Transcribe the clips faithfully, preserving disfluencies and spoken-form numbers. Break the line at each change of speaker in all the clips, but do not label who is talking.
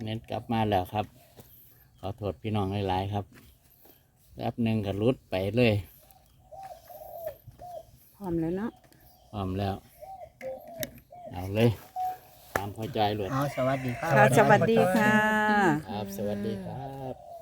เน็ตกลับมาแล้วครับขอโทษพี่น้องหลายๆครับแป๊บหนึ่งก็รุดไปเลย
พร้อมแล้วเนาะ
พร้อมแล้วเอาเลยตามพอใจเลย
เอาสวัสดีครับ
ค่ะสวัสดีค่ะ
ครับสวัสดีครับ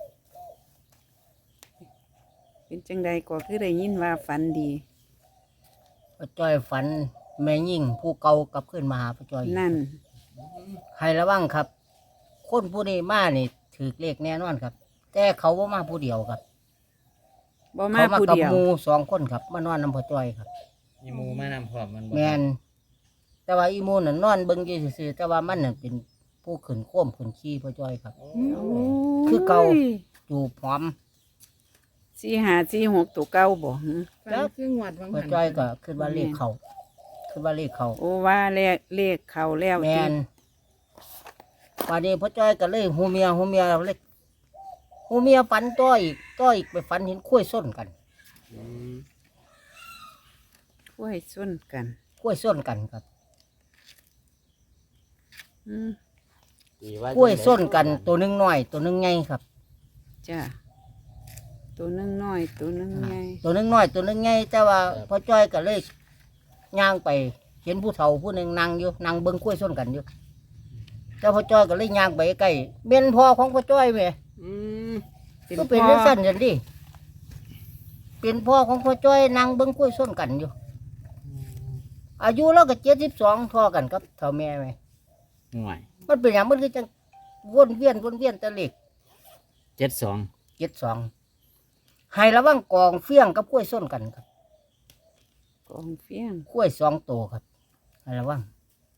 เป็นจังใดก็คือได้ยินว่าฝันดี
พ่อจ้อยฝันแม่ยิ่งผู้เก่ากลับขึ้นมาหาพ่อจ้อย
นั่น
ให้ระวังครับ คนผู้นี้มานี่ถือเลขแน่นอนครับ แต่เขาว่ามาผู้เดียวครับ
บ่มา
เขามา
ผู้
กับ
เดียว
หมูสองคนครับมานอนนำพ่อจ้อยครับ
มีหมูมานำพร้อมมันบ่
แมนแต่ว่าอีหมูน่ะนอนเบิ่งอยู่ซื่อๆแต่ว่ามันน่ะเป็นผู้ขึ้นโค้มขึ้นขี้พ่อจ้อยครับ
โอ้
คือเก่า จูบหอม
สี่ห้าสี่หกตัวเก้าบ่หึ
แล้ว
คืองวดวัง
พ่อจ้อยก็คิดว่าเลขเขาคิดว่าเลขเขา
โอ้ว่าเลขเลขเข้าแล้ว
แมนวันนี้พ่อจ้อยก็เลยหูเมียหูเมียเล็กหูเมียฝันต้อยอีกต้อยอีกไปฝันเห็นคุ้วยส้นกัน
อืม
ช่วยส้นกัน
คุ้วยส้นกันครับ
อืม
ดีว่า
คุ้วยส้นกันตัวหนึงน้อย ตัวหนึงใหญ่ครับ
จ้ะตัวหนึงน้อยตัวหนึงใหญ่
ตัวหนึงน้อยตัวหนึงใหญ่แต่ว่าพ่อจ้อยก็เลยย่างไปเห็นผู้เฒ่าผู้หนึ่งนั่งอยู่นั่งเบิ้งคุ้วยส้นกันอยู่แต่พ่อจ้อยก็เลยย่างไปใกล้เม่นพ่อของพ่อจ้อยไหม
อืม
เป็น
ก็เป็น
พ่อ
เรื่องสั้นจังดิเป็นพ่อของพ่อจ้อยนั่งเบิ้งคุ้วยส้นกันอยู่ อายุเราก็เจ็ดสิบสองทอกันครับเท่าแม่ไหม
ห่วย
มันเป็นอย่างมันคือจังวนเวียนวนเวียนแตะเล็ก
เจ็ดสอง
เจ็ดสองให้ระวังกองเฟี้ยงกับกล้วยส้นกันครับ
กองเฟี้ยง
กล้วยสองตัวครับให้ระวัง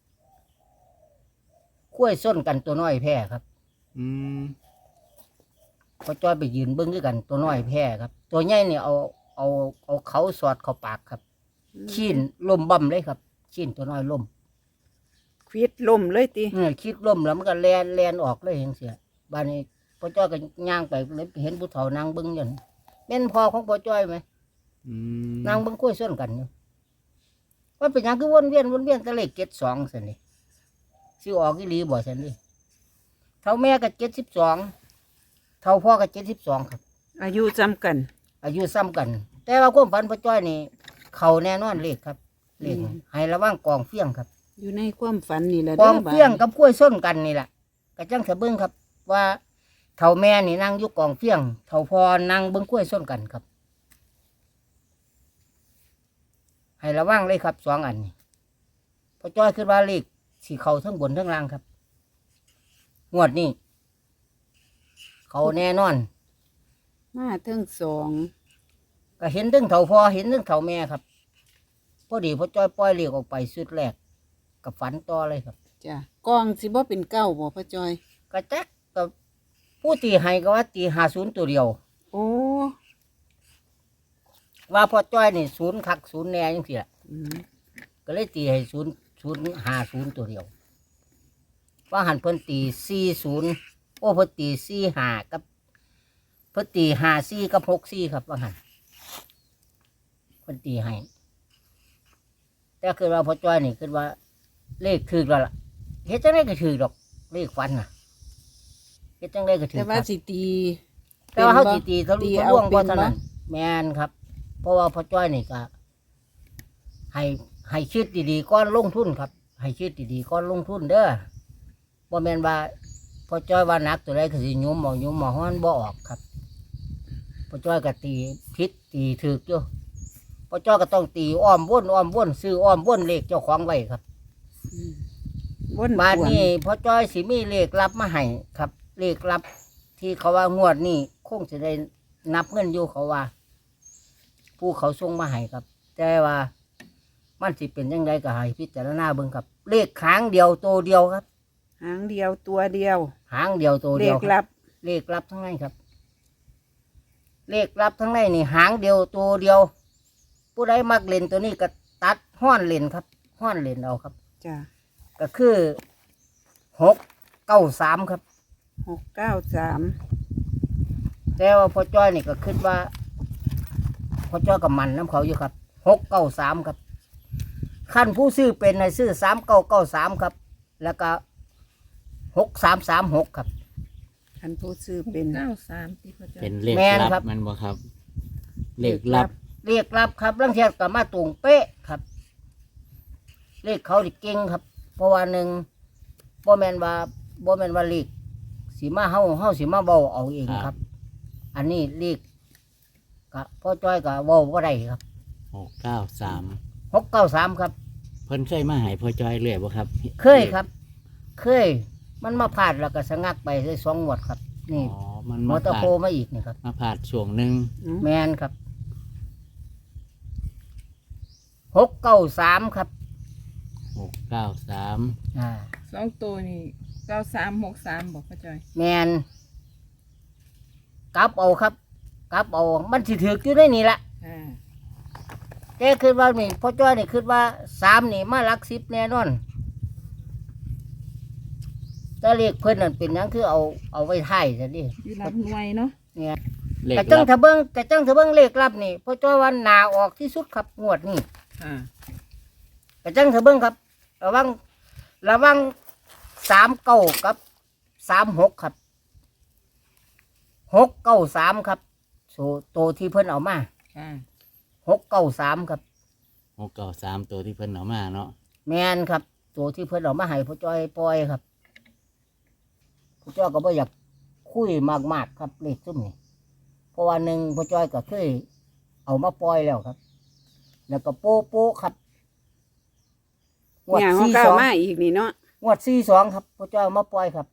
กล้วยส้นกันตัวน้อยแพ้ครับ
อืม
พอจ้อยไปยืนเบิ้งด้วยกันตัวน้อยแพ้ครับ ตัวใหญ่เนี่ยเอาเอาเอาเขาสอดเข้าปากครับขี้นล่มบ่มเลยครับขี้นตัวน้อยล่ม
ควิดล่มเลยติ
เนี่ยคิดล่มแล้วมันก็แลนแลนออกเลยเห็นเสียบ้านนี้พ่อจ้อยก็ย่างไปเลยเห็นผู้เฒ่านางเบิ้งอยู่นั่นแม่นพ่อของพ่อจ้อยไหม
อืม
นางเบิ้งกล้วยส้นกันอยู่ว่าเป็นหยังคือวนเวียนวนเวียนแตะเลขเจ็ดสองสินี่สิออกอีหลีบ่สินี่เท่าแม่ก็เจ็ดสิบสองเท่าพ่อก็เจ็ดสิบสองครับ
อายุจำกัน
อายุซ้ำกัน แต่ว่าความฝันพ่อจ้อยนี่เขาแน่นอนเลขครับเลขให้ระวังกองเฟี้ยงครับ
อยู่ในความฝันนี่แหละ
ก
เด้
อง
บาด
เฟี้ยงกับกล้วยส้นกันนี่แหละกระจังเถอะเบิ้งครับ ว่าเท่าแม่นี่นั่งอยู่กองเฟี้ยงเท่าพ่อนั่งเบิ้งกล้วยส้นกันครับ ให้ระวังเลยครับสองอันนี้พ่อจ้อยคือว่าเลขสีเขาทั้งบนทั้งล่างครับงวดนี้เขาแน่นอน
มาเทั้งสอง
ก็เห็นทั้งเท่าพ่อเห็นทั้งเท่าแม่ครับพอดีพ่อจ้อยปล่อยเลขออกไปสุดแรกกับฝันต่อเลยครับ
จ้ะกองสิบ่เป็นเก้าบ่พ่อจอย
กระจักกับผู้ตีให้ก็ว่าตีหาศูนย์ตัวเดียว
โอ้
ว่าพ่อจ้อยนี่ศูนย์คักศูนย์แน่ยังเสีย
อืม
ก็เลยตีให้ศูนย์ศูนย์หาศูนย์ตัวเดียว ว่าหันเพิ่นตีสี่ศูนย์โอ้เพิ่นตีสี่หากับเพิ่นตีหาสี่กับหกสี่ครับว่าหันเพิ่นตีให้แต่คือว่าพ่อจ้อยนี่คือว่าเลขถือแล้วล่ะเฮ็ดจังไดก็ถือดอกเลขฟันน่ะเฮ็ดจังไดก็ถือ
แต่
ค
ว่า
รับ
สิตี
แต่ว่าเขา
ป็น
สิ
บ่
ตีทะลุ
ตี
ทะ
เอา
ลวง
เป็
บ่
น
เท่า
บ่
นั้นแมนครับ เพราะว่าพ่อจ้อยนี่ก็ให้ให้คิดดีๆก้อนลงทุนครับ ให้คิดดีๆก้อนลงทุนเด้อบ่แม่นว่าพ่อจ้อยว่าหนักตัวใดก็สิยุมเอายุมเอาฮ้อนบ่ออกครับพ่อจ้อยก็ตีผิดตีถูกอยู่พ่อจ้อยก็ต้องตีอ้อมวนอ้อมวนซื้ออ้อมวนเลขเจ้าของไว้ครับ
อืมวน
บ้าน
ขวน
นี้พ่อจ้อยสิมีเลขลับมาให้ครับ เลขลับ ที่เขาว่างวดนี้คงจะได้นับเงินอยู่เขาว่า ผู้เขาส่งมาให้ครับ แต่ว่ามันสิเป็นยังไงก็ให้พิจารณาเบิ่งครับ เลขหางเดียวตัวเดียวครับ
หางเดียวตัวเดียว
หางเดียวตัว
เล
เดียว
ข
ครับ
ลับ
เลขลับทั้งนั้นครับ เลขลับทั้งนั้นนี่หางเดียวตัวเดียว ผู้ใดมักเล่นตัวนี้ก็ตัดห้อนเล่นครับห้อนเล่นเอาครับ
จ้ะ
ก็คือหกเก้าสามครับ
หกเก้าสาม
แต่ว่าพ่อจ้อยนี่ก็คิดว่าพ่อจ้อยกับมันน้ำเขาอยู่ครับหกเก้าสามครับขั้นผู้ซื้อเป็นในซื้อสามเก้าเก้าสามครับ แล้วก็หกสามสามหกครับ
คันผู้ซื้อเป็น
เก้าสามที่พ่อจ้อย
เป็นเลข
แม่น
ลั
ครับ บ
มันบ่ครับ เลขลับ
เรียกรับครับลังเทียกับมาตรงเป๊ะครับ เลขเขาดิเก่งครับ เพราะว่าหนึ่งบ่แมนว่าบ่แมนว่าเลขสีมาเฮาเฮาสีมาเว้าเอาเอง
ครับ
ครับ อันนี้เลขกับพ่อจ้อยกับเว้าบ่ได้ครับ
หกเก้าสาม
หกเก้าสามครับ
เพิ่นเคยมาใหายพ่อจอยเรื่อยบ่ครับ
เคยครับ เคย มันมาพลาดแล้วก็สะงักไปได้สองงวดครับ
อ๋
นี่
อมัน
มอ
มา
เตอร์
ผ่า
โพ
น
มาอีกนี่ครับ
มาผ่านช่วงหนึ่ง
แมนครับหกเก้าสามครับ
หกเก้าสาม
อ่า
สองตัวนี่เก้าสามหกสามบอกพ่อจ้อย
แมนกลับเอาครับกลับเอามันสิถืออยู่ในนี่ละ
อ่า
แต่คือว่านี่พ่อจ้อยนี่คือว่าสามนี่มาหลักสิบแน่นอนแต่เลขเพิ่นนั่นเป็นหยังคือเอาเอาไว้ท้ายซะดิ
อยู่รับหน่วยเนาะ
เนี่ย
เลข
แต่จัง
ลับ
ทะเบิงแต่จังทะเบิงเลขลับนี่พ่อจ้อยว่าหนาออกที่สุดครับงวดนี่
อ่า
แต่จังทะเบิงครับ ระวังระวังสามเก้ากับสามหกครับหกเก้าสามครับโซโตวที่เพิ่นเอามา
อ่า
หกเก้าสามครับ
หกเก้าสามตัวที่เพิ่นเอามาเนาะ
แมนครับ ตัวที่เพิ่นเอามาให้พ่อจ้อยปล่อยครับพ่อจ้อยก็บ่อยากคุยมากๆครับเลขซุ่มนี่เพราะว่าหนึ่งพ่อจ้อยก็เคยเอามาปล่อยแล้วครับ แล้วก็โป๊ะโป๊ะครับงวด
เนี่ยเขา
สี่
เก้า
สอง
มาอีกนี่เนาะ
งวดสี่สองครับพ่อจ้อยเอามาปล่อยครับ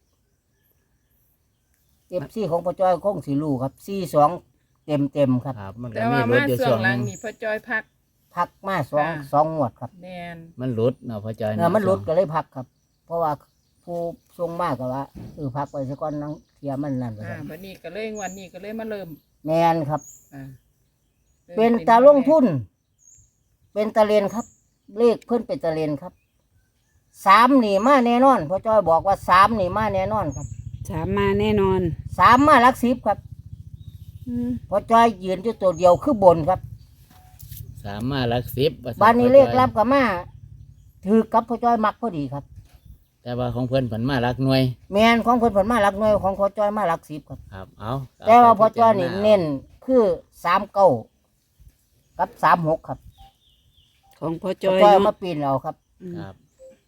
เอฟซีของพ่อจ้อยคงสิรู้ครับสี่สองเต็มเต็มๆครับ
ครับ มันก็
แต่
มี
ว่า
รุด
มา
อยู่
ส่
ช่
ว
ว
ง
ง
ห
ห
ลั
นึ
ง
ง
นี่พ่อจ้อยพัก
พักมาสอง
อ่า
สองงวดครับ
แนน
มันรุดเนาะพ่อจอย
เอ
เนาะ
อมันหลุดก็เลยพักครับ เพราะว่าผู้ทรงมากก็ว่าเออพักไปสักก้อนนังเทียมันนั่นไป
อ่า
ครับ
บัดนี้ก็เลยวันนี้ก็เลยมาเริ่ม
แมนครับ
อ่า
เป็นตาลงทุน เป็นตาเลนครับ เลขเพื่อนเป็นตาเลนครับสามหนีมาแน่นอนพ่อจ้อยบอกว่าสามหนีมาแน่นอนครับ
สามมาแน่นอน
สามมาหลักสิบครับ
อืม
พ่อจ้อยยืนอยู่ตัวเดียวคือบนครับ
สามมาหลักสิบว่ซั่
บ้านนี้
พ่อ
เล
จ้อย
ขรับกับมาถือกับพ่อจ้อยมักพอดีครับ
แต่ว่าของเพิ่นเพิ่นมาหลักหน่วย
แมนของเพิ่นผลมาหลักหน่วยของพ่อจ้อยมาหลักสิบครับ
ครับ เอา
แต่ว่าพ่อจ้อย
เา
นี่
ไปพิจารณา
เน้นคือสามเก้ากับสามหกครับ
ของพ่อจ
พ่อ
อย
จ้อย
เนาะ
มาปีนเอาครับ
อืม
ครับ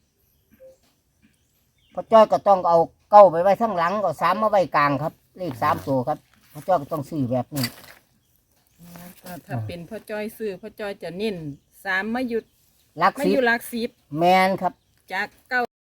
พ่อจ้อยก็ต้องเอาเก้าไปไว้ข้างหลังก็สามมาไว้กลางครับ เลขสามตัวครับพ่อจ้อยก็ต้องซื้อแบบนี้
อ๋อถ้าถ้าเป็นพ่อจ้อยซื้อพ่อจ้อยจะเน้นสามมาหยุด
หลัก
มา
สิ
อบ ยู่หลักสิบ
แมนครับ
จากเก้า